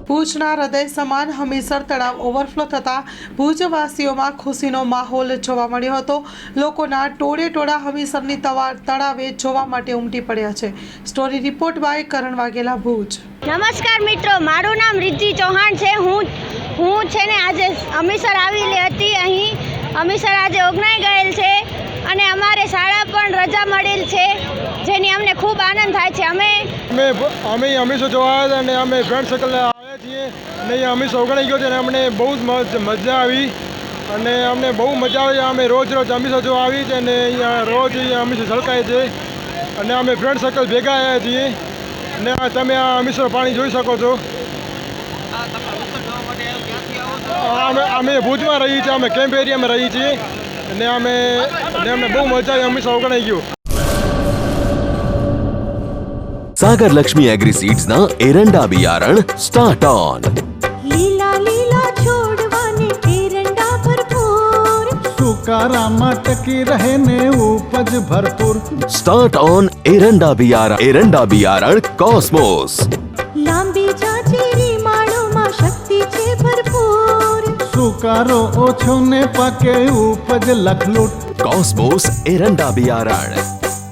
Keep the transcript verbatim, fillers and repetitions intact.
ભુજના હૃદય સમાન હમીરસર તળાવ ઓવરફ્લો થતાં ભુજવાસીઓમાં ખુશીનો માહોલ જોવા મળ્યો હતો। લોકોના ટોળે ટોળા હમીરસરની તવા- તળાવે જોવા માટે ઉમટી પડ્યા છે। Story report by Karan Vaghela, Bhuj. નમસ્કાર મિત્રો, મારું નામ રિદ્ધિ ચૌહાણ છે। હું હું છે ને આજે હમીરસર આવેલી હતી। અહીં હમીરસર આજે ઓગણાઈ ગયેલ છે અને અમારે શાળા પણ રજા મળેલ છે, જેની અમને ખૂબ આનંદ થાય છે। અમે અમે અમે હમીરસર જોવા આવ્યા હતા અને અમે ફ્રેન્ડ સર્કલ આવ્યા છીએ અને અહીંયા હમીરસર ઓગણાઈ ગયો છે અને અમને બહુ જ મજા આવી અને અમને બહુ મજા આવે। અમે રોજ રોજ હમીરસર જોવા આવી છે અને અહીંયા રોજ અહીંયા હમીરસર છલકાય છે અને અમે ફ્રેન્ડ સર્કલ ભેગા આવ્યા છીએ અને આ તમે આ હમીરસર પાણી જોઈ શકો છો। અમે અમે ભુજમાં રહીએ છીએ, અમે કેમ્પ એરિયામાં રહીએ છીએ અને અમે અને અમને બહુ મજા આવી। હમીરસર ઓગણાઈ ગયું। सागर लक्ष्मी एग्रीसीड्स ना एरंडा बियारण स्टार्ट ऑन। લીલા લીલા છોડવાને એરંડા ભરપૂર, સુકારામાં ટકી રહે ને ઉપજ ભરપૂર। स्टार्ट ऑन एरंडा बियारण एरंडा बियारण कॉस्मोस। લાંબી જાચેરી માળોમાં શક્તિ છે ભરપૂર, સુકારો ઓછો ને પાકે ઉપજ લખલૂટ। कॉस्मोस एरंडा बियारण।